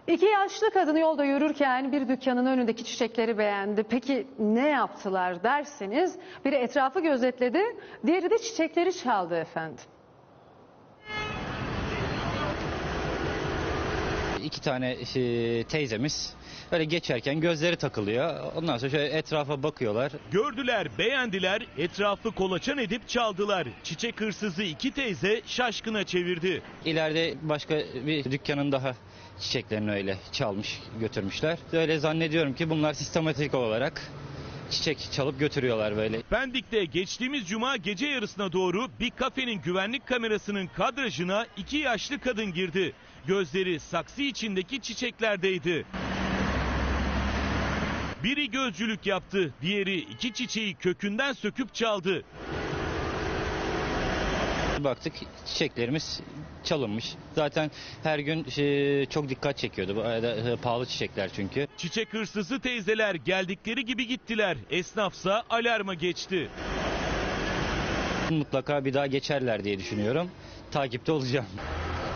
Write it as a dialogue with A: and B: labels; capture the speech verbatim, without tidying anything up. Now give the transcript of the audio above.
A: İki yaşlı kadın yolda yürürken bir dükkanın önündeki çiçekleri beğendi. Peki ne yaptılar derseniz, biri etrafı gözetledi, diğeri de çiçekleri çaldı efendim.
B: İki tane e, teyzemiz böyle geçerken gözleri takılıyor. Ondan sonra şöyle etrafa bakıyorlar.
C: Gördüler, beğendiler, etrafı kolaçan edip çaldılar. Çiçek hırsızı iki teyze şaşkına çevirdi.
B: İleride başka bir dükkanın daha çiçeklerini öyle çalmış, götürmüşler. Öyle zannediyorum ki bunlar sistematik olarak çiçek çalıp götürüyorlar böyle.
C: Pendik'te geçtiğimiz cuma gece yarısına doğru bir kafenin güvenlik kamerasının kadrajına iki yaşlı kadın girdi. Gözleri saksı içindeki çiçeklerdeydi. Biri gözcülük yaptı, diğeri iki çiçeği kökünden söküp çaldı.
B: Baktık çiçeklerimiz çalınmış. Zaten her gün e, çok dikkat çekiyordu. Bu arada e, pahalı çiçekler çünkü.
C: Çiçek hırsızı teyzeler geldikleri gibi gittiler. Esnafsa alarma geçti.
B: Mutlaka bir daha geçerler diye düşünüyorum. Takipte olacağım.